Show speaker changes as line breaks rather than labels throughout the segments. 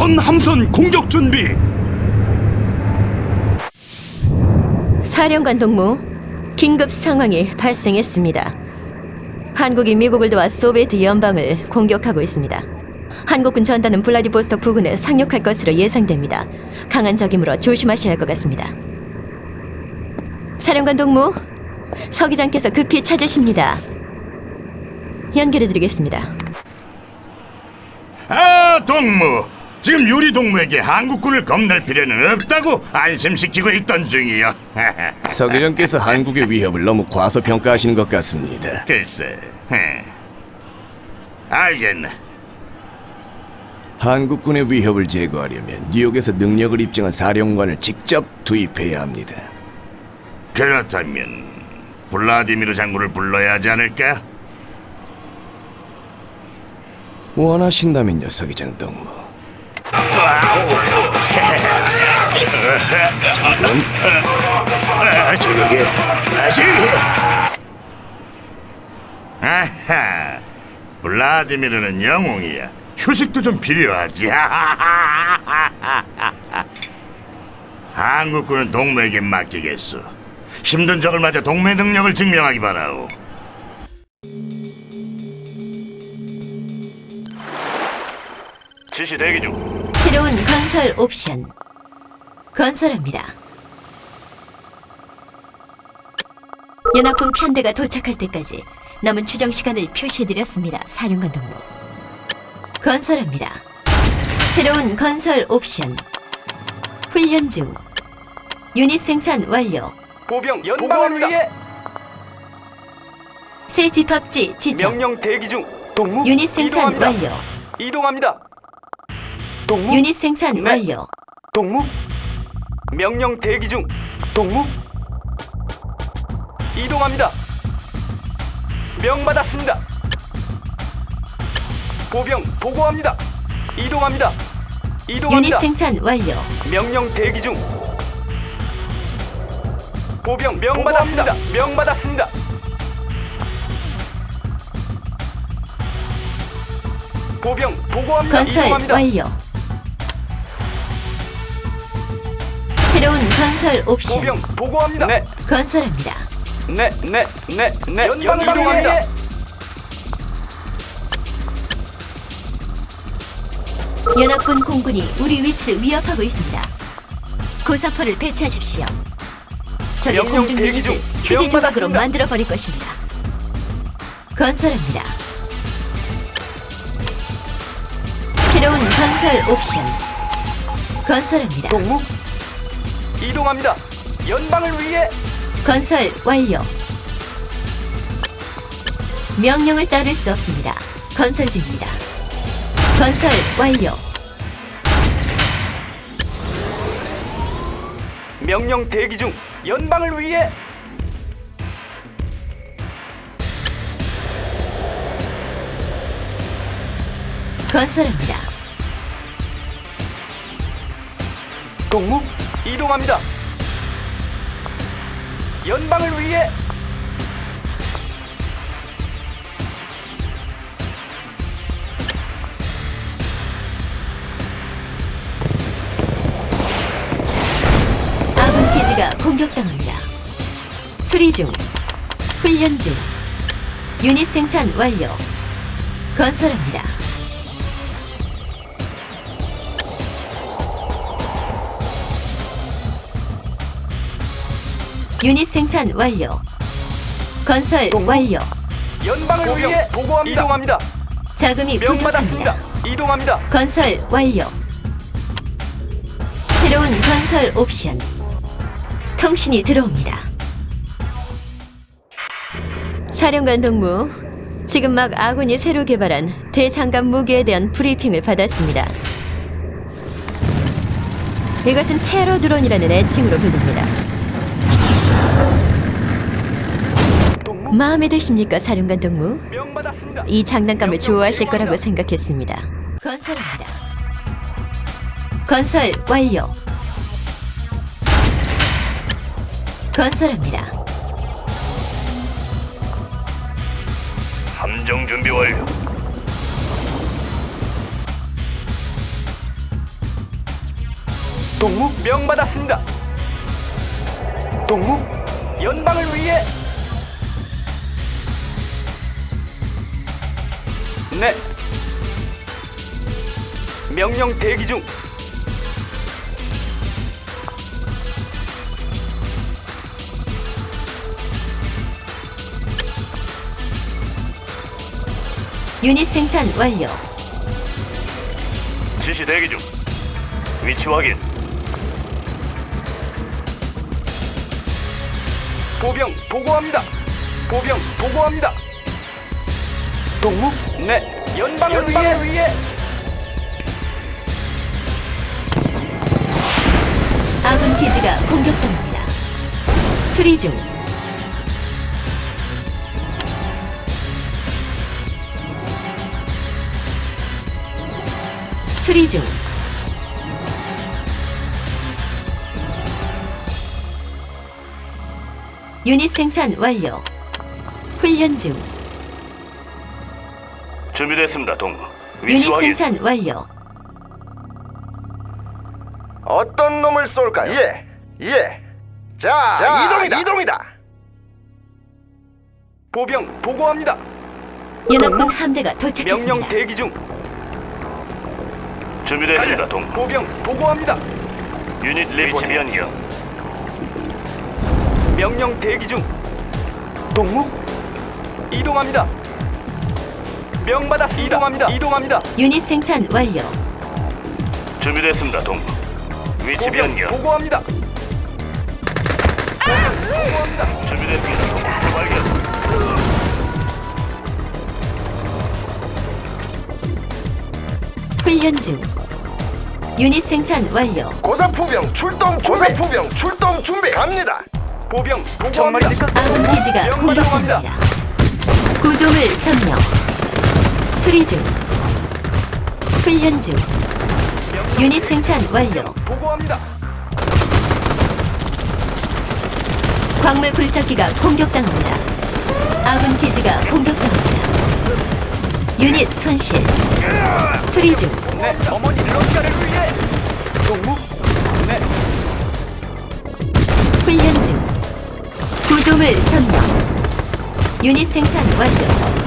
전 함선 공격 준비.
사령관 동무, 긴급 상황이 발생했습니다. 한국이 미국을 도와 소비에트 연방을 공격하고 있습니다. 한국군 전단은 블라디보스토크 부근에 상륙할 것으로 예상됩니다. 강한 적이므로 조심하셔야 할 것 같습니다. 사령관 동무, 서기장께서 급히 찾으십니다. 연결해드리겠습니다.
아, 동무. 지금 유리 동무에게 한국군을 겁낼 필요는 없다고 안심시키고 있던 중이요.
서계장께서 한국의 위협을 너무 과소평가하시는 것 같습니다.
글쎄, 알겠네.
한국군의 위협을 제거하려면 뉴욕에서 능력을 입증한 사령관을 직접 투입해야 합니다.
그렇다면 블라디미르 장군을 불러야 하지 않을까?
원하신다면요, 서기장 동무.
저녁에 아시. 아하, 블라디미르는 영웅이야. 휴식도 좀 필요하지. 한국군은 동무에게 맡기겠소. 힘든 적을 맞아 동무의 능력을 증명하기 바라오. 지시 대기 중.
새로운 건설 옵션 건설합니다. 연합군 편대가 도착할 때까지 남은 추정 시간을 표시해드렸습니다. 사령관 동무, 건설합니다. 새로운 건설 옵션 훈련 중. 유닛 생산 완료.
보병 연방을 위해
새 집합지 지정.
명령 대기 중. 동무
유닛 생산
이동합니다.
완료.
이동합니다. 동무
유닛 생산
네.
완료.
동무 명령 대기 중. 동무 이동합니다. 명받았습니다. 보병 보고합니다. 이동합니다.
유닛
이동합니다.
생산 완료.
명령 대기 중. 보병 명받았습니다. 명받았습니다. 보병 보고합니다.
건설
이동합니다.
완료. 새로운 건설 옵션
보병 보고합니다. 네,
건설합니다.
네. 연방 이동합니다.
연합군 공군이 우리 위치를 위협하고 있습니다. 고사포를 배치하십시오. 적의
명령
공중
대기 중.
유닛을 휴지 조각으로
명받았습니다.
만들어 버릴 것입니다. 건설합니다. 새로운 건설 옵션 건설합니다.
동무 이동합니다. 연방을 위해
건설 완료. 명령을 따를 수 없습니다. 건설 중입니다. 건설 완료.
명령 대기 중. 연방을 위해
건설합니다.
동무 이동합니다. 연방을 위해
아군 기지가 공격당합니다. 수리 중. 훈련 중. 유닛 생산 완료. 건설합니다. 유닛 생산 완료. 건설 완료.
연방을 위해 보고합니다. 이동합니다.
자금이
명받았습니다.
부족합니다.
이동합니다.
건설 완료. 새로운 건설 옵션. 통신이 들어옵니다. 사령관 동무, 지금 막 아군이 새로 개발한 대장갑 무기에 대한 브리핑을 받았습니다. 이것은 테러 드론이라는 애칭으로 불립니다.
동무
마음에 드십니까, 사령관 동무?
명받았습니다.
이 장난감을
명령
좋아하실 거라고
대응합니다.
생각했습니다. 건설합니다. 건설 완료. 건설합니다.
함정 준비 완료.
동무 명받았습니다. 동무 연방을 위해. 네. 명령 대기 중.
유닛 생산 완료.
지시 대기 중. 위치 확인.
보병 보고합니다. 보병 보고합니다. 동무? 네. 연방을 위해.
아군 기지가 공격당합니다. 수리 중. 수리 중. 유닛 생산 완료. 훈련 중.
준비됐습니다, 동무.
유닛 생산 완료.
어떤 놈을 쏠까요? 예. 자, 이동이다.
보병 보고합니다.
연합군 함대가 도착했습니다.
명령 대기 중.
준비됐습니다, 동무.
보병 보고합니다.
유닛 리포트 변경.
명령 대기 중. 동무 이동합니다. 명받았습니다. 이동합니다.
유닛 생산 완료.
준비됐습니다, 동무. 위치
보병
변경.
보고합니다. 보고합니다.
준비됐습니다, 동무. 발견.
훈련 중. 유닛 생산 완료.
고사포병 출동 준비. 갑니다.
보병 보고합니다.
아군 기지가
명받았습니다.
공격합니다. 구조물 점령. 수리 중. 훈련 중. 유닛 생산 완료.
보고합니다.
광물 굴착기가 공격당합니다. 아군 기지가 공격당합니다. 유닛 손실. 수리 중.
네. 어머니 러시아를 위해. 동무. 네.
훈련 중. 구조물 점령. 유닛 생산 완료.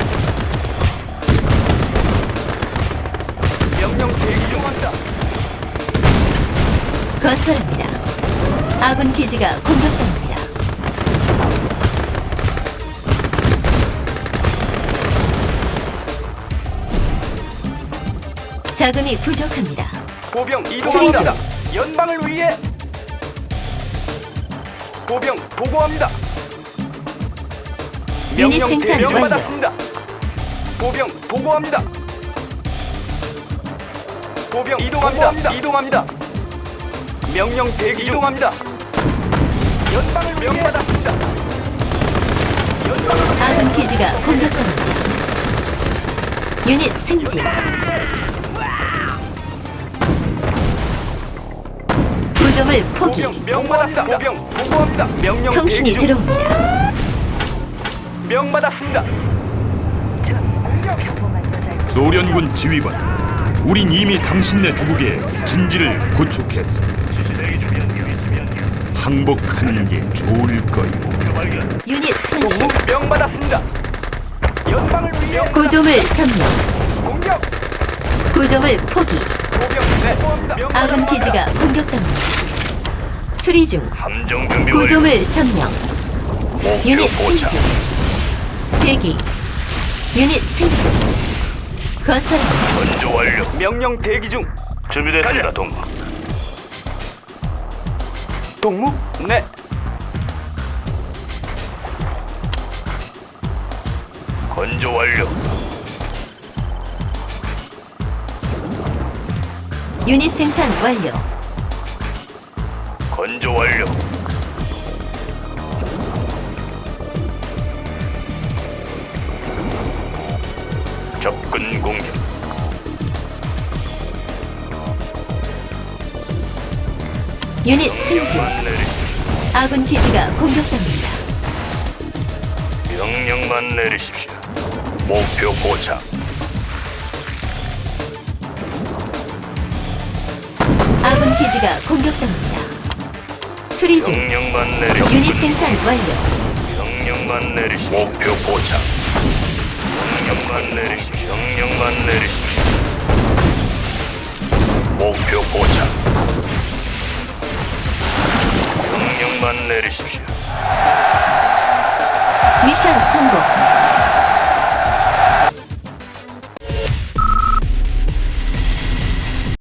명령 대기 중합니다.
건설합니다. 아군 기지가 공격당합니다. 자금이 부족합니다.
보병
수리
이동합니다. 연방을 위해. 보병 보고합니다.
유닛 생산 완료.
명받았습니다. 보병 보고합니다. 보병 이동합니다. 명령 대기 중. 이동합니다. 연방을 명받았습니다. 연방을
아군 기지가 공격합니다. 유닛 승진. 구조물 포기.
보병 명받았습니다. 보병 보고합니다. 명령
통신이
대기 중.
들어옵니다.
명받았습니다.
소련군 지휘관. 우린 이미 당신네 조국에 진지를 구축했어. 항복하는 게 좋을 거요.
유닛 손실.
명받았습니다. 연방을 위해.
구조물 점령.
공격.
구조물 포기.
보병 네.
아군 기지가 공격당합니다. 수리 중.
함정 준비 완료.
구조물 점령. 유닛
목표 포착.
승진. 대기. 유닛 승진. 건설합니다.
건조 완료.
명령 대기 중.
준비됐습니다, 동무.
동무? 네.
건조 완료.
유닛 생산 완료.
건조 완료. 접근 공격.
유닛 승진.
명령만 내리십시오.
아군 기지가 공격당합니다.
명령만 내리십시오. 목표 포착.
아군 아군 기지가 공격당합니다. 수리 중.
명령만 내리시.
유닛 생산 완료.
명령만 내리시. 목표 포착. 명령만 내리시. 명령만 내리시. 목표 포착. 명령만 내리십시오.
미션 성공.